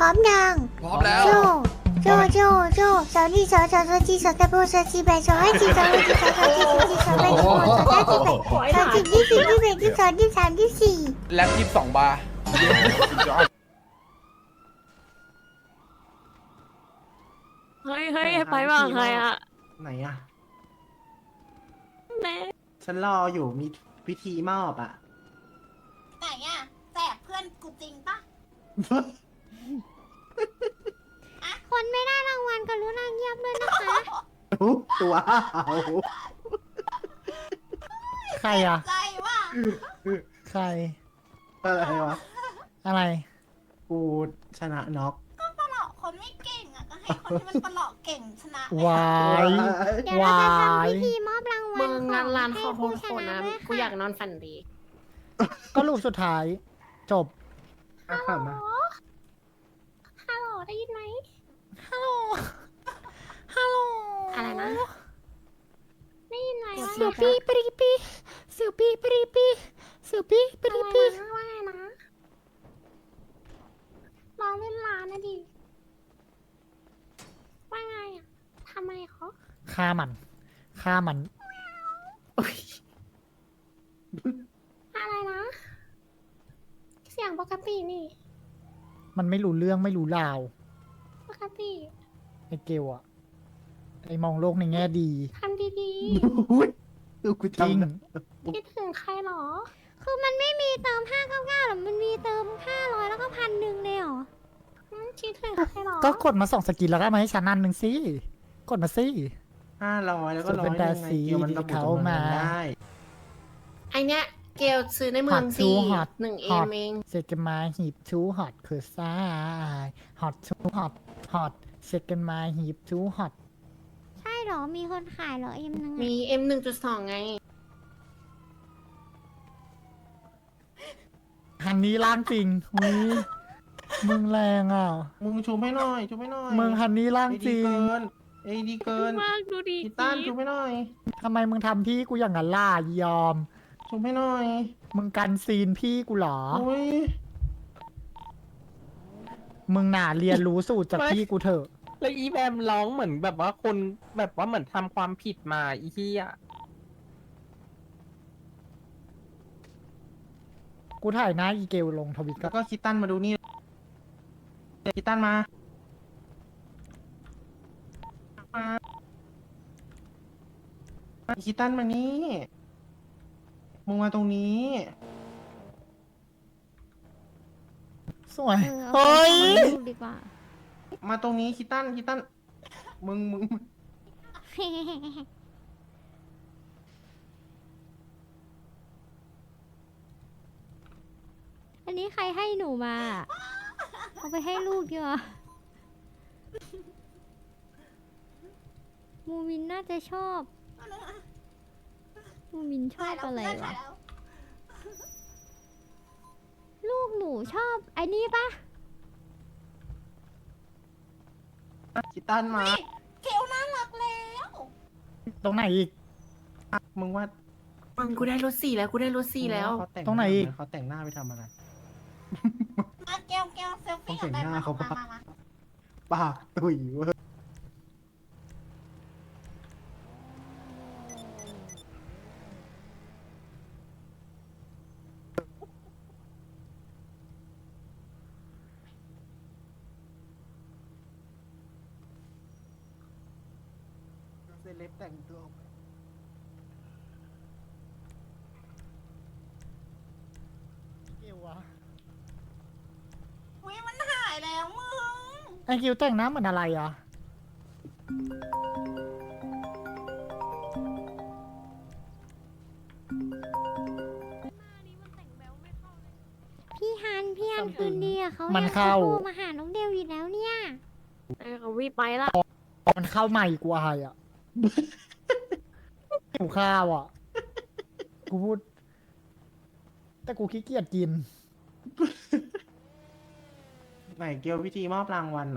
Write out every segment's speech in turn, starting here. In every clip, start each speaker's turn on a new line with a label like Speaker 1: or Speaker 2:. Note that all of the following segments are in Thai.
Speaker 1: ร้อมยัง
Speaker 2: พร้อมแล้ว
Speaker 1: โจโจสาวนี่สาวจีสาวตะโบสาวจีแบสาวให้จีสาวให้จีสาวจีสาวจีสาวแบสาวสาวจีแบสาวจีที่4ที่1ที่2ที่3ที่4
Speaker 2: แล็บ22 บาร์
Speaker 3: เฮ้ยไปบ้างใครอะ
Speaker 4: ไหนอะ
Speaker 3: แม่
Speaker 4: ฉันรออยู่มีพิธีมอบอะ
Speaker 5: ไหนอะแจกเพื่อนกูจริงปะ
Speaker 1: คนไม่ได้รางวัลกรุณาเงียบด้วยนะคะ
Speaker 4: ตัวเอา
Speaker 6: ใครอ่ะ
Speaker 5: ใจว่า
Speaker 6: ใคร
Speaker 4: อะไรวะ
Speaker 6: อะไร
Speaker 4: กูชนะน็อก
Speaker 5: ก็ประหลอกคนไม่เก่งอะก็ให้คนที่มันประหลอกเก่งชนะไป
Speaker 6: วาย
Speaker 1: เดี๋ยวเราจะทำพิธีมอบรางวั
Speaker 3: มึ
Speaker 1: ล
Speaker 3: ง
Speaker 1: ข
Speaker 3: งา
Speaker 1: อน ง
Speaker 3: ร้าน
Speaker 1: ให้
Speaker 3: ขอโท
Speaker 1: ผู้
Speaker 3: ษ
Speaker 1: ช
Speaker 3: คน
Speaker 1: นะ
Speaker 3: นะ
Speaker 1: ด้วย
Speaker 3: กูอยาก
Speaker 1: ค่ะ
Speaker 3: นอนฝันดี
Speaker 6: ก็รูปสุดท้าย จบ
Speaker 4: อ่ะค่ะมา
Speaker 3: ฮัลโหลได้ยินไหม
Speaker 6: ฮัลโหล ฮัลโหล
Speaker 3: อะไรนะ ได้ยินไหม
Speaker 6: เสือปีปรีปีเสือปีปรีปีเสือปีปรีปี
Speaker 3: ว่าไงนะร้องเล่นร้านนะดิว่าไงอะทำไมเขา
Speaker 6: ฆ่ามัน ฆ่ามัน
Speaker 3: อะไรนะ เสียงปกตินี่
Speaker 6: มันไม่รู้เรื่องไม่รู้ราว
Speaker 3: ปกติ
Speaker 6: ไอ้เกลอะไอ้มองโลกในแง่ดี
Speaker 3: ทำดี
Speaker 4: อุ้ยดูกู
Speaker 6: จริง
Speaker 4: จำนะ
Speaker 3: ๆคิดถึงใครหรอ
Speaker 1: คือมันไม่มีเติม599หรอมันมีเติม500แล้วก็1,000เลยเหรอ
Speaker 3: คิดถึงใครหรอ
Speaker 6: ก็กดมา2 สกินแล้วก็มาให้ฉันอันหนึ่งสิ กดมาสิ
Speaker 4: 500แล้วก็
Speaker 6: ส่วน
Speaker 4: ร้อ
Speaker 6: เป็
Speaker 4: ย
Speaker 6: น
Speaker 4: ห
Speaker 6: ดา
Speaker 4: นึ่งไง
Speaker 6: สี
Speaker 4: เกี่ยวมันระบุ
Speaker 6: เขา
Speaker 4: จำนวน
Speaker 6: มา
Speaker 4: เงินได้
Speaker 3: ไอเนี้ยเกลซื้อในเมือง
Speaker 6: Hot
Speaker 3: ฟรี
Speaker 6: to hot
Speaker 3: หนึ่งเอ
Speaker 6: hot
Speaker 3: มเอง
Speaker 6: เซกันมาหีบทูฮอตคือซ้ายฮอตทูฮอตฮอตเซกันมาหีบทูฮอต
Speaker 1: ใช่เหรอมีคนขายเหรอเอ็มนึง
Speaker 3: มี M1.2 ไง
Speaker 6: ฮันนี้ล่างจริงอุ้ยมึงแรงอ่ะ
Speaker 4: มึงชูให้หน่อยชูให้หน่อย
Speaker 6: มึงฮันนี้ล่าง
Speaker 4: ไอ้
Speaker 6: จ
Speaker 4: ดี
Speaker 6: ริง
Speaker 4: เกินไอ้ดีเกิน
Speaker 3: มากดูดี
Speaker 4: กีตันชูให้หน่อย
Speaker 6: ทำไมมึงทำพี่กูอย่างนั้นล่ะยอม
Speaker 4: ชูให้หน่อย
Speaker 6: มึงกันซีนพี่กูเหรอ
Speaker 4: อุ้ย
Speaker 6: มึงน่าเรียนรู้สูตรจากพี่กูเถอะ
Speaker 7: แล้วอีแบมร้องเหมือนแบบว่าคนแบบว่าเหมือนทำความผิดมาอีที่อ่ะ
Speaker 6: กูถ่ายหน้าอีเกลลงทวิตก็
Speaker 4: แล้วก็คิตตันมาดูนี่คิตตันมาคิตตันมานี่มึงมาตรงนี้
Speaker 6: สวย
Speaker 1: เออ
Speaker 6: เฮ้ย
Speaker 1: เอาไปดีกว่า
Speaker 4: มาตรงนี้คิตตันมึง
Speaker 1: อันนี้ใครให้หนูมา เอาไปให้ลูกดีกว่ามูมินน่าจะชอบ มูมินชอบอะไรวะ ลูกหนูชอบไอ้นี่ปะ
Speaker 4: คิตตันมา
Speaker 5: เกลน่ารักแล้ว
Speaker 6: ตรงไหนอีก
Speaker 4: มึงว่า
Speaker 3: มึงกูได้รถ4แล้วกูได้รถ4แล้ว
Speaker 4: เขาแต่ง
Speaker 6: ตรงไหนอีก
Speaker 4: เขาแต่งหน้าไปทำอะไร
Speaker 5: มาเกลเซลฟี่
Speaker 4: ต้องเห็นหน้าเขาปะ
Speaker 5: มา
Speaker 4: ปากตุยเว้ยเซเลบแต่งตัวออกไป
Speaker 6: เกลวะ
Speaker 5: อุ้ยมันหายแล้วมึง
Speaker 6: ไอเกลแต่งหน้าเหมือนอะไรอ่ะ
Speaker 1: พี่ฮันคืนดีอะเขา
Speaker 6: มัน
Speaker 1: ยัง
Speaker 6: เข้า
Speaker 1: โทรมาหาน้องเดวอยู่แล้วเนี่ย
Speaker 3: ไอ้เขาวิไปละ
Speaker 6: มันเข้าใหม่กูอายอ่ะ หิวข้าวอ่ะ กูพูด แต่กูขี้เกียจกิน
Speaker 4: ไหนเกียวพิธีมอบรางวัลนะ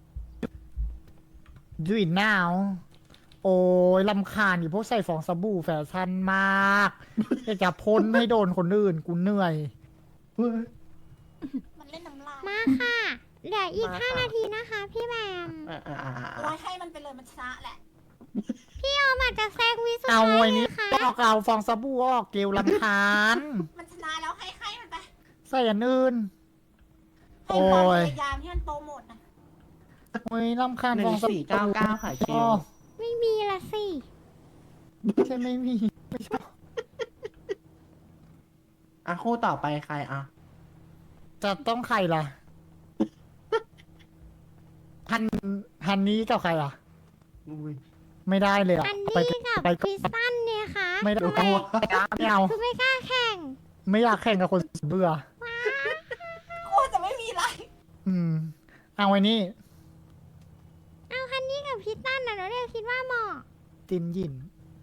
Speaker 6: Do it now โอ้ยลำคาญอยู่พวกใส่ฟองสบู่แฟชั่นมากอยากจะพ่นให้โดนคนอื่นกูเหนื่อย
Speaker 4: เฮ้ย
Speaker 5: มันเล่นน้ำลาย
Speaker 1: มาค่ะเหลืออีก5 นาทีนะคะ พี่แบม
Speaker 5: ร้อยให้มันไปเลยมันชนะแหละ
Speaker 1: พี่ออมอาจจะแซงวิสุด
Speaker 6: เอา
Speaker 1: ท้าย
Speaker 6: ไว้
Speaker 1: เล
Speaker 6: นี้
Speaker 1: ยค่ะ
Speaker 6: ออกเอาฟองสบู่ออกเกลลำคาญ
Speaker 5: มันชนะแล้วให้มันไป
Speaker 6: ใส่อันอื่น
Speaker 5: ให้ความ
Speaker 6: โอ้ย
Speaker 5: พยายามที่มันโปรโมทนะ
Speaker 6: โอ้ยลำคาญ
Speaker 4: หนึ่
Speaker 6: ฟอง งส
Speaker 4: สี่
Speaker 6: บู่
Speaker 4: เก้าเก้าค่ะเกล
Speaker 6: อ๋อ
Speaker 1: ไม่มีละสิ
Speaker 6: ใช่ไม่มีไม่ชอบ
Speaker 4: อ่ะคู่ต่อไปใครอ่ะ
Speaker 6: จะต้องใครล่ะฮันนี้กับใครอ่ะ
Speaker 4: อุ้ย
Speaker 6: ไม่ได้เลยอ่ะ
Speaker 1: อัน
Speaker 6: ไป
Speaker 1: นี้กับ
Speaker 6: ไป
Speaker 1: คริสตันเนี่ยค่ะ
Speaker 6: ไม่ได้
Speaker 1: ทำไม
Speaker 6: ไม่เอา
Speaker 1: คือไม่กล้าแข่ง
Speaker 6: ไม่อยากแข่งกับคนเบื่อ
Speaker 5: กลัวจะไม่มีไร
Speaker 6: อืม เอาไว้นี่
Speaker 1: เอาฮันนี่กับคริสตันน่ะเราเรียกคิดว่าเหมาะ
Speaker 6: ติมหยิน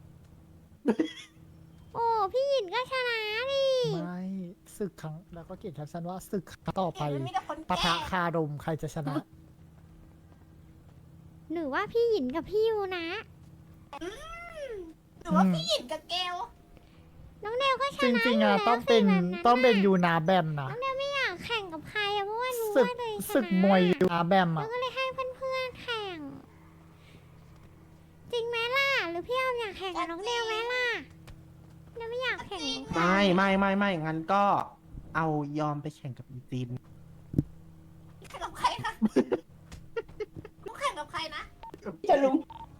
Speaker 1: โอ้พี่หยินก็ชนะดิ
Speaker 6: ไม่ศึกครั้งแล้วก็เขียนแคปชั่นว่าศึกครั้งต่อไป
Speaker 5: เห็นมันมีแต่คน
Speaker 6: ปะ
Speaker 5: แก่
Speaker 6: ทะคารมใครจะชนะ
Speaker 1: หรือว่าพี่หยินกับพี่ยูนะ
Speaker 5: หรือว่าพี่หยินกับเกล
Speaker 1: น้องเดวก็ช
Speaker 6: จ
Speaker 1: นะ
Speaker 6: ริงๆ
Speaker 1: ยู่
Speaker 6: อ่ะ
Speaker 1: แล้ว
Speaker 6: ต้องเป็น
Speaker 1: สิแบบะ
Speaker 6: ต้องเป็นยูนาแบมนะ
Speaker 1: น้องเดวไม่อยากแข่งกับใครอะเพราะว่ารู้
Speaker 6: ศึก
Speaker 1: ว่าตัวเองชนะ
Speaker 6: ศึกมวยยูนาแบม
Speaker 1: เรา
Speaker 6: อ่ะ
Speaker 1: ก็เลยให้เพื่อนๆแข่ง จริงไหมล่ะ หรือพี่ออมอยากแข่งกับน้องเดวไหมล่ะเดวไม่อยากแข่งกับใคร
Speaker 4: ไม่งั้นก็เอายอมไปแข่งกับอีจีน
Speaker 5: แข่งกับใครคะลูกแข่งกับใครนะ
Speaker 4: จะลุง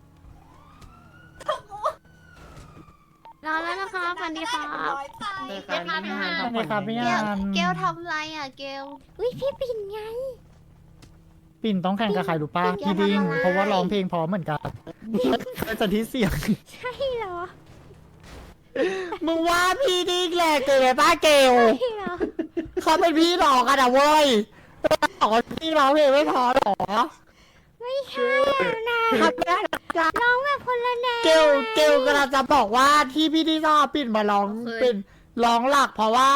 Speaker 3: รอแล้วนะคะสวัสดีครับ
Speaker 5: ร้อยใจ
Speaker 4: เลยค่ะนี่ฮาน
Speaker 6: ใช่ครับพี่งาน
Speaker 3: เกลทำไรอ่ะเกล
Speaker 1: อุ้ยพี่ปิ่นไง
Speaker 6: ปิ่นต้องแข่งกับใครรู้ป่ะ
Speaker 3: ปิ่น
Speaker 6: พี่ดิ้ง
Speaker 3: ทำอะไร
Speaker 6: เพราะว่าร้องเพลงพร้อมเหมือนกันจะที่เสียง
Speaker 1: ใช่เหรอ
Speaker 6: มึงว่าพี่ดิ้งแหละเกิดไปป้าเกล
Speaker 1: ใช่เหรอ
Speaker 6: เขาเป็นพี่น้องกันอะเว้ยบอกว่าพี่ร้องเพลงไม่พอหรอ
Speaker 1: ไม่ใช่อะนะ
Speaker 6: ทำไม่ได้หรอกจ้ะ
Speaker 1: ร้องแบบคนละแนว
Speaker 6: เกลกำลังจะบอกว่าที่พี่ดิ้งชอบปิ่นมาร้องเป็นร้องหลักเพราะว่า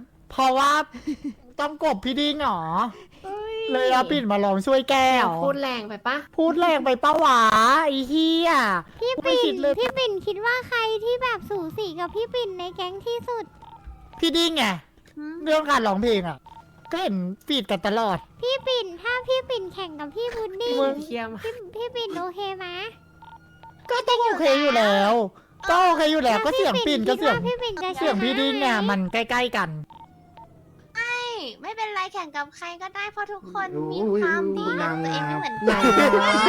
Speaker 6: ต้องกบพี่ดิ้งหรอเลยเอาปิ่นมาร้องช่วยแก้ว
Speaker 3: พูดแรงไปปะ
Speaker 6: พูดแรงไปปะหวาไอ้เหี้ย
Speaker 1: พี่
Speaker 6: ไม่
Speaker 1: ปิ่
Speaker 6: คิ
Speaker 1: น
Speaker 6: ดเลย
Speaker 1: พี่ปิ่นคิดว่าใครที่แบบสูสีกับพี่ปิ่นในแก๊งที่สุด
Speaker 6: พี่ดิ้งไงเรื่องการร้องเพลงอ่ะ ก็เห็นฟีดกันตลอด
Speaker 1: พี่ปิ่นถ้าพี่ปิ่นแข่งกับพี่พุดดิ้ง
Speaker 6: มึง
Speaker 3: เทียม
Speaker 1: พี่ปิ่นโอเคไหม
Speaker 6: ก็ต้องโอเคอยู่แล้วก็โอเคอยู่แล้วก็เสียงปิ่นก็เสียง
Speaker 1: พี่ปิ่นจะชนะ
Speaker 6: เสียงพี่ดิ้งเนี่ยมันใกล้ๆกัน
Speaker 3: ไม่เป็นไรแข่งกับใครก็ได้เพราะทุกคนมีความดีของตัวเองไม่เหมือน
Speaker 4: นา
Speaker 3: กั
Speaker 4: ง
Speaker 3: น
Speaker 4: งาม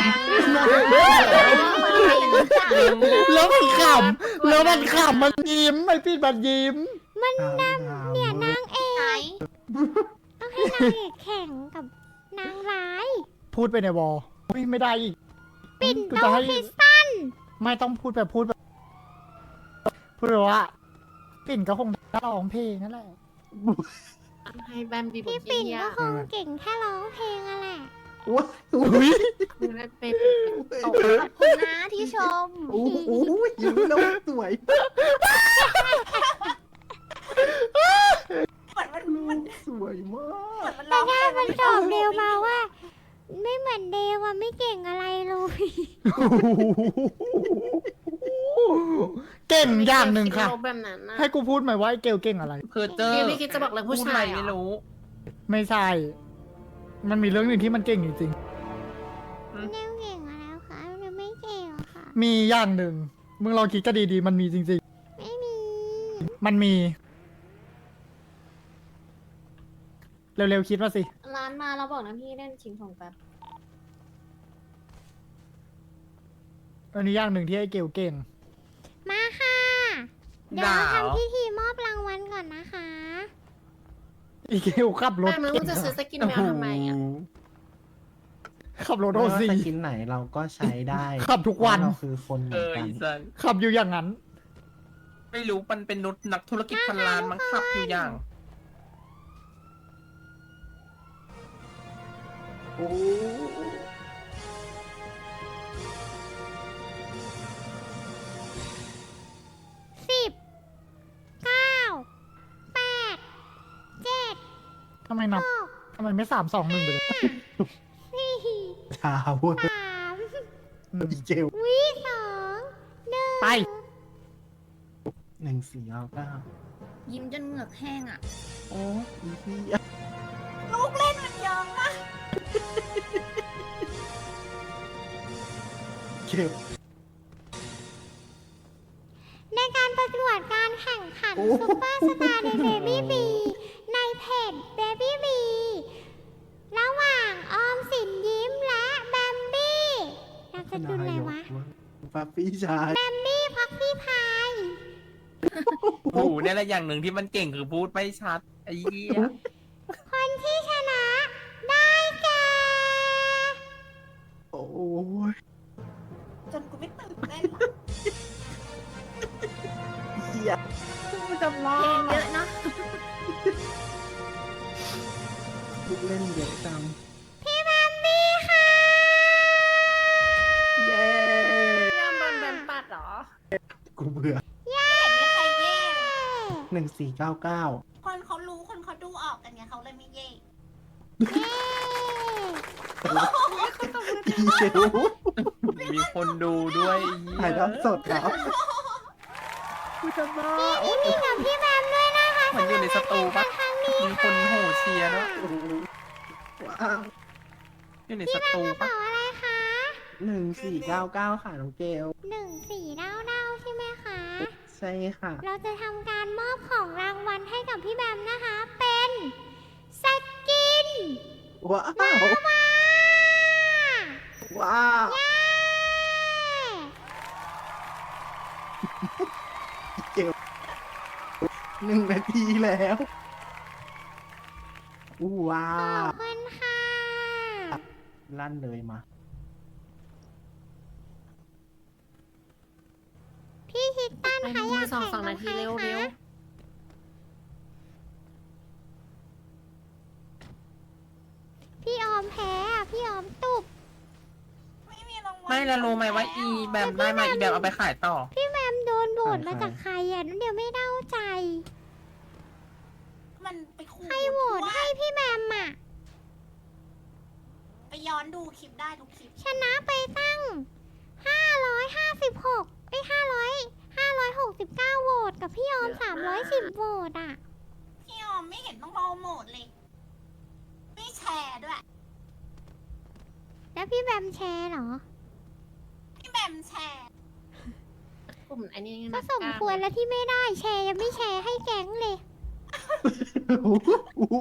Speaker 6: แล้วมันขำแล้วมันขำมันยิ้มไอ้ปิ่นมันยิ้ม
Speaker 1: เนี่ยนางเอ
Speaker 3: ไหน
Speaker 1: กต้องให้นางเอกแข่งกับนางร้าย
Speaker 6: พูดไปในวอลอุ๊ยไม่ได้อีก
Speaker 1: ปิ่น
Speaker 6: กู
Speaker 1: โต
Speaker 6: จะให้
Speaker 1: คริสตัน
Speaker 6: ไม่ต้องพูดแบบพูดว่าปิ่นก็คงร้องเพลงนั่นแหละ
Speaker 3: ให้แบมบีบ
Speaker 1: พี่
Speaker 3: ท
Speaker 1: ปิ่น
Speaker 3: เยี่ย
Speaker 1: ก็คงเก่งแค่ร้องเพลงอะแหละ
Speaker 4: อุ้ย
Speaker 6: อุ้ย
Speaker 3: คือได้เป็นตกขอบคุณนะที่ชม
Speaker 4: ยิ้มแล้วสวย
Speaker 5: เหมือนมัน
Speaker 4: สวยมาก
Speaker 5: มัน
Speaker 1: แต่ถ้ามันตอบเดวมาว่า ไม่เหมือนเดวอะไม่เก่งอะไรเลย
Speaker 6: เก่งอย่างหนึ่งค่ะ
Speaker 3: ลบแบบนั้นนะ
Speaker 6: ให้กูพูดไหมว่าไอ้เกลเก่งอะไร
Speaker 7: เพอเจอ
Speaker 3: พี่ไม่คิดจะบอกเรื่องผู้ชาย
Speaker 7: พูดอะไรไม่รู้
Speaker 6: ไม่ใช่ มันมีเรื่องหนึ่งที่มันเก่งจริง
Speaker 1: เดวเก่งมาแล้วค่ะเดวไม่เก่งหรอกค่ะ
Speaker 6: ๆมีอย่างหนึ่ง มึงลองคิดก็ดีๆ มันมีจริง
Speaker 1: ไม่มี
Speaker 6: ๆ มันมี เร็วๆคิดมาสิ
Speaker 3: ร้านมาเราบอกนะพี่เล่นชิงของแป๊บ
Speaker 6: อันนี้อย่างหนึ่งที่ไอ้เกลเก่ง
Speaker 1: มาค่ะ เดี๋ยวเราทำพิธีมอบรางวัลก่อนนะคะ
Speaker 6: ไอ้เกลขับรถ
Speaker 3: แม่มึง
Speaker 6: เก่ง
Speaker 3: จะซื้อสกินแมวทำไมอ่ะ
Speaker 6: ขับรถ
Speaker 4: โด
Speaker 6: โอ
Speaker 4: น
Speaker 6: ซี
Speaker 4: สกินไหนเราก็ใช้ได้
Speaker 6: ขับทุกวัน
Speaker 4: เพราะเราคือคนเหมื
Speaker 7: เอ
Speaker 4: อน
Speaker 7: อ
Speaker 4: กัน
Speaker 7: อีสัน
Speaker 6: ขับอยู่อย่างนั้น
Speaker 7: ไม่รู้มันเป็นนุษนักธุรกิจพันล้านมั้งขับอยู่อย่าง
Speaker 4: โอ้
Speaker 1: 10 9 8 7
Speaker 6: ทำไมนับ ทำไมไม่3-2-1ไปเลย
Speaker 1: 4
Speaker 4: ชาเวอร์
Speaker 1: 3
Speaker 4: อีเจล
Speaker 1: วิ2 1
Speaker 6: ไป
Speaker 4: 1499
Speaker 3: ยิ้มจนเหงือกแห้งอ่ะ
Speaker 4: โอ้ยพี่
Speaker 5: ลูกเล่นมันเยอะมาก
Speaker 4: เก็บ
Speaker 1: ในการประกวดการแข่งขัน
Speaker 4: โอ้
Speaker 1: ซุปเปอร์สตาร์ในเบบี้บีในเพจเบบี้บีระหว่างออมสินยิ้มและแบมบี้นามสกุลอะไรวะ
Speaker 4: ปั๊ปปี้ชาย
Speaker 1: แบมบี้พักพี่พาย
Speaker 7: โอ้โหเนี่ยแหละอย่างหนึ่งที่มันเก่งคือพูดไม่ชัดไอ้เหี้ย
Speaker 1: คนที่ชนะได้แก่
Speaker 4: โอ้ย
Speaker 5: จนกูไม่ตื่นเต้น
Speaker 4: เหี้ย
Speaker 7: จำว่า
Speaker 5: เพลงเยอะเนาะ
Speaker 4: ลูกเล่นเยอะจัง
Speaker 1: พี่แบมบี้ค่ะ
Speaker 4: เย้
Speaker 5: พี่ยอมโดนแบมปัดเหรอ
Speaker 4: กูเบื่อ
Speaker 1: เย้
Speaker 5: เห็นมีใครเย่เลย
Speaker 4: 1499
Speaker 5: คนเขารู้คนเขาดูออกกันไงเขาเลยไม่เย่
Speaker 4: อีเชล
Speaker 7: มีคนดูด้วยไอ้เหี้
Speaker 4: ถ่ายทอดสดเหรอ
Speaker 7: กูจำว่า
Speaker 1: พี่กับพี่แบมด้วยนะคะ
Speaker 7: เหมือนอยู่ในสตูปะ
Speaker 1: ครั้งนี้
Speaker 7: มีคนโห่เชียร์ด้วย
Speaker 4: โอ้โหว้าว
Speaker 7: อยู่ในสตู
Speaker 1: กระ
Speaker 7: ปะ
Speaker 1: เป๋าอะไรคะ
Speaker 4: 1499 ค่ะน้องเกล
Speaker 1: 1499ใช่ไหมคะ
Speaker 4: ใช่ค่ะ
Speaker 1: เราจะทำการมอบของรางวัลให้กับพี่แบมนะคะ เป็นสกิน
Speaker 4: ว้าว
Speaker 1: ว้า
Speaker 4: ว้าว
Speaker 1: เย้
Speaker 4: เกล1 นาทีแล้วว้า
Speaker 1: ขอ
Speaker 4: ว
Speaker 1: บคุณค่ะ
Speaker 4: ลั่นเลยมา
Speaker 1: พี่คิดตันคะอยากแข่งกับ
Speaker 5: นา
Speaker 1: ใค
Speaker 5: ที
Speaker 1: ร
Speaker 5: เร็ว
Speaker 1: คะพี่ออมแพ้อะพี่ออมตุบ
Speaker 5: ไม่มีรางวัล
Speaker 7: ไม่แล้วรู้ไหมว่าอีแบมได้มาอีแบมเอาไปขายต่อ
Speaker 1: พี่แบมโดนโบด
Speaker 4: ใคร
Speaker 1: มาจากใครอ่ะนั่นเดี๋ยวไม่เด้าใจ
Speaker 5: มันไปขู่
Speaker 1: ใครโหวตให้พี่แบมอ่ะ
Speaker 5: ไปย้อนดูคลิปได้ทุกคลิป
Speaker 1: ชนะไปตั้ง 556ไอ้ย569 โหวตกับพี่ออม 310 โหวตอ่ะ
Speaker 5: พี่ยอมไม่เห็นต้องรอโหมดเลย ไม่แชร์ด้วย
Speaker 1: แล้วพี่แบมแชร์เหรอ
Speaker 5: พี่แบมแชร์
Speaker 2: กลุ่มอันนี้
Speaker 1: ก็สมควรแล้วที่ไม่ได้แชร์ยังไม่แชร์ให้แก๊งเลย
Speaker 4: โอ้โหโอ้โห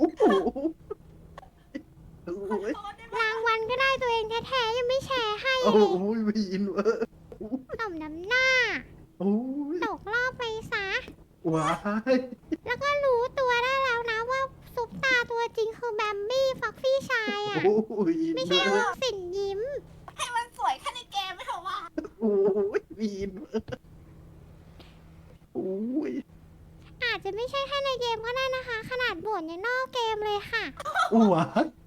Speaker 4: โอ้
Speaker 5: ขอ
Speaker 4: โห
Speaker 5: โทษได้ไหม
Speaker 1: รางวัลก็ได้ตัวเองแท้ๆยังไม่แชร์ให้
Speaker 4: โอ้
Speaker 1: เลย
Speaker 4: โหวีนเวอร์
Speaker 1: ต่อมน้ำหน้า
Speaker 4: โอ้ย
Speaker 1: ตกรอบไปซะ
Speaker 4: ว้าย
Speaker 1: แล้วก็รู้ตัวได้แล้วนะว่าซุปตาตัวจริงคือแบมบี้ฟ็อกซี่ชายอ่ะ
Speaker 4: โอ้ย
Speaker 1: ไม่ใช่ออมสินยิ้ม
Speaker 5: ให้มันสวยแค่ในเกมไม่เถอะว่า
Speaker 4: โอ้ยวีนเวอร์โอ้ย
Speaker 1: อาจจะไม่ใช่แค่ในเกมก็ได้นะคะ ขนาดบ่นยังนอกเกมเลยค่ะ
Speaker 4: ว้าย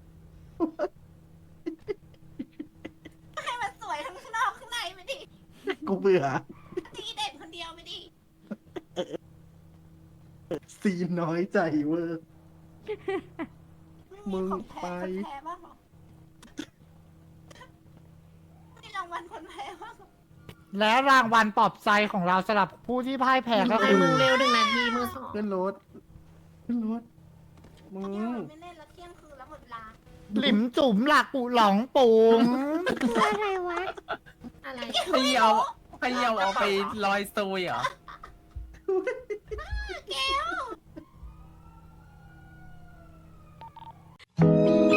Speaker 5: ให้มันสวยทั้งข้างนอกข้างในไปดิ
Speaker 4: กูเบื่อ
Speaker 5: ตีเด่นคนเดียวไปดิ
Speaker 4: ซีนน้อยใจเวอร์ มึง
Speaker 5: ของแพ้
Speaker 4: ไป
Speaker 5: คนแพ้บ้างเหรอมีรางวัลคนแพ้บ้างเหรอ
Speaker 6: และรางวัลปลอบใจของเราสำหรับผู้ที่พ่ายแพ้ก็
Speaker 2: ให้
Speaker 6: คือ
Speaker 2: มึงเร็ว1 นาทีมือ 2
Speaker 4: ขึ้นรถ ขึ้นรถ มึ
Speaker 5: เนี่ย
Speaker 4: ง
Speaker 5: ไม่เล่นแล้วเที่ยงคืนแล้วหมดเวลา
Speaker 6: หลิมจุ๋มหลักปุหลองปุง
Speaker 1: คืออะไรวะ
Speaker 2: อะไร
Speaker 7: ใครเอาไปลอยซุยเหรอ
Speaker 5: แก้ว